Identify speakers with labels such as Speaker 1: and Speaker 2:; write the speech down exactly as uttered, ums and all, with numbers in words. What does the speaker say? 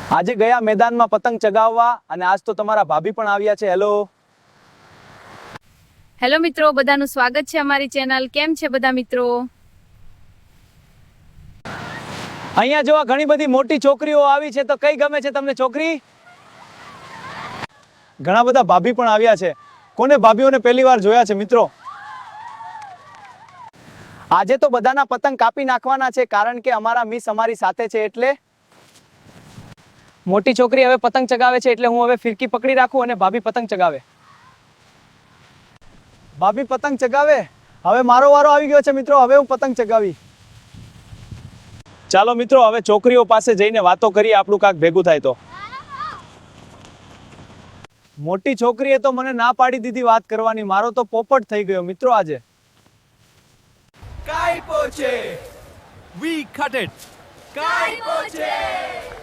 Speaker 1: આજે ગયા મેદાનમાં પતંગ ચગાવવા અને આજ તો તમારા ભાભી પણ આવ્યા છે. હેલો
Speaker 2: હેલો મિત્રો, બધાનું સ્વાગત છે અમારી ચેનલ. કેમ છે બધા મિત્રો?
Speaker 1: અહીંયા જોવા ઘણી બધી મોટી છોકરીઓ આવી છે, તો કઈ ગમે છે તમને છોકરી? ઘણા બધા ભાભી પણ આવ્યા છે. કોને ભાભીઓને પહેલી વાર જોયા છે મિત્રો? આજે તો બધાના પતંગ કાપી નાખવાના છે, કારણ કે અમારા મિસ અમારી સાથે છે. એટલે મોટી છોકરી હવે પતંગ ચગાવે છે, એટલે હું હવે ફિરકી પકડી રાખું અને ભાભી પતંગ ચગાવે. ભાભી પતંગ ચગાવે. હવે મારો વારો આવી ગયો છે મિત્રો. હવે હું પતંગ ચગાવી. ચાલો મિત્રો, હવે છોકરીઓ પાસે જઈને વાતો કરીએ, આપણું કાંક ભેગું થાય તો. મોટી છોકરીએ તો મને ના પાડી દીધી વાત કરવાની. મારો તો પોપટ થઈ ગયો મિત્રો આજે.
Speaker 3: કાઈ પોચે, we cut it. કાઈ પોચે.